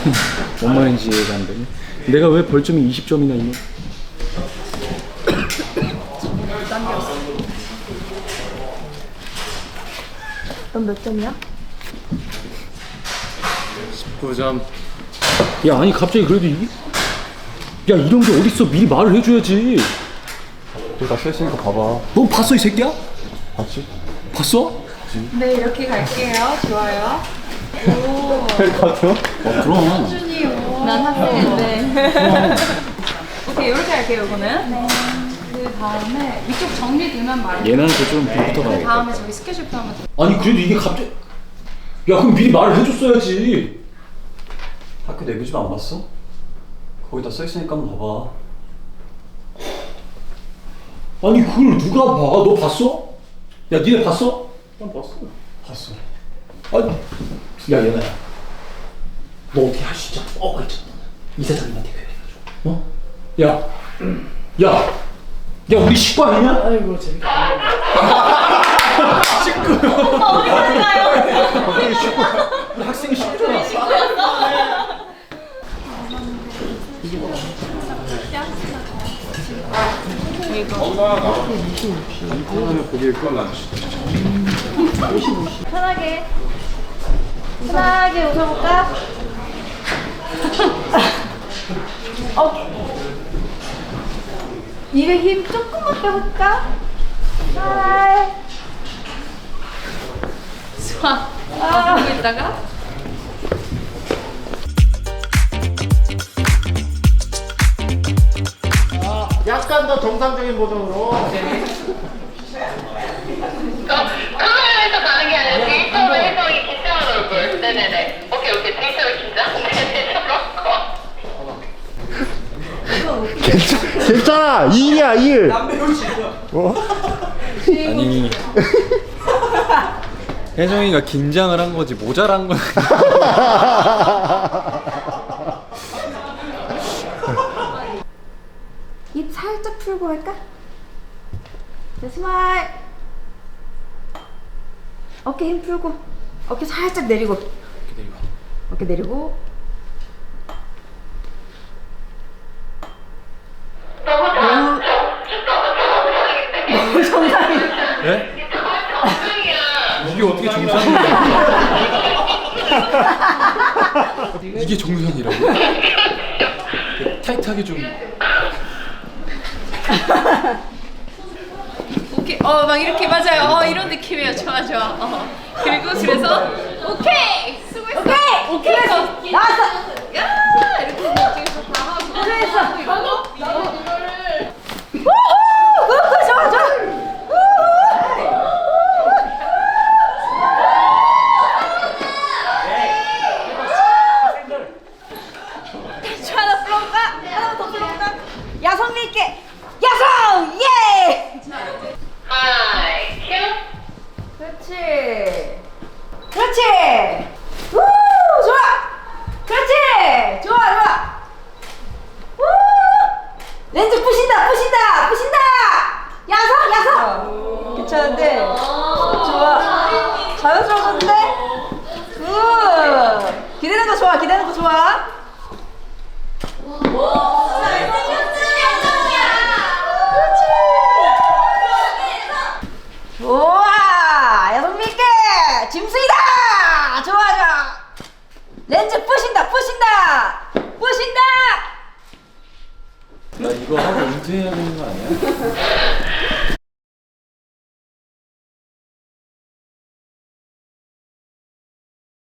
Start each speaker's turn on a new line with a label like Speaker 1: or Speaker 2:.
Speaker 1: 뭔 말인지 이해가 안 되네. 내가 왜 벌점이 20점이나 있냐?
Speaker 2: 넌 몇 점이야?
Speaker 3: 9점.
Speaker 1: 야 아니 갑자기 그래도 이게 야 이런 게 어딨어. 미리 말을 해줘야지.
Speaker 3: 여기 다 써있으니까 봐봐.
Speaker 1: 너 봤어 이 새끼야?
Speaker 3: 봤지?
Speaker 1: 봤어?
Speaker 2: 네, 이렇게 갈게요. 좋아요. 오.
Speaker 3: 가죠?
Speaker 1: 그럼.
Speaker 2: 준이, 오. 난 학생인데. 오케이, 이렇게 할게요, 이거는. 네. 그 다음에 위쪽 정리되면 말해요.
Speaker 1: 얘한테 좀 빌부터
Speaker 2: 그
Speaker 1: 가야겠다.
Speaker 2: 다음에 저기 스케줄표 하면 돼.
Speaker 1: 아니 그래도 이게 갑자기 야 그럼 미리 말을 해줬어야지.
Speaker 3: 학교 내부집 안 봤어? 거기 다 써있으니까 한번 봐봐.
Speaker 1: 아니 그걸 누가 봐? 너 봤어? 야 니네 봤어?
Speaker 3: 난 봤어. 봤어.
Speaker 1: 아니 야 얘나야 너 어떻게 할 수 있잖아. 있잖아. 이사장님한테 그래가지고 어? 야 우리 식구 아니냐? 아이고 재밌게 식구
Speaker 2: 어디 가요?
Speaker 1: 우리 식구 우리 학생이 식구잖아.
Speaker 2: 편하게 웃어볼까? 입에 힘 조금만 빼볼까? 하이. 좋아. 하고 있다가.
Speaker 4: 약간 더 정상적인 버전으로.
Speaker 5: 카메라에서 가는 게 아니라 데이터로 해서 긴장한 얼굴. 네네네. 오케이. 데이터로 긴장. 데이터로
Speaker 4: 괜찮아. 2일이야 2일.
Speaker 3: 아니. 혜정이가 긴장을 한 거지 모자란 건.
Speaker 2: 입 살짝 풀고 할까? 네, 스마일. 어깨 힘 풀고. 어깨 살짝 내리고. 어깨 내리고. 너무 정상이야.
Speaker 3: 네? 이게 어떻게 정상이야? 이게 정상이라고? 타이트하게 좀.
Speaker 2: 오케이. 막 이렇게 맞아요. 이런 느낌이에요. 좋아. 그리고 그래서 오케이. 수고했어. 오케이. 나왔어. 야! 이렇게 느낌에서 다 하고. 그래서 이거를 우후! 좋아. 하나 풀어볼까? 하나 더 풀어볼까? 야성미 있게 야성! 예!
Speaker 5: 하이 큐.
Speaker 2: 그렇지 우 좋아 그렇지 좋아 우 렌즈 부신다 야성 괜찮은데 좋아 자연스러워졌는데 굿 기대는 거 좋아 좋아! 야성미 있게! 짐승이다! 좋아! 렌즈 부신다!
Speaker 3: 나 이거 하고 은퇴해야 되는 거 아니야?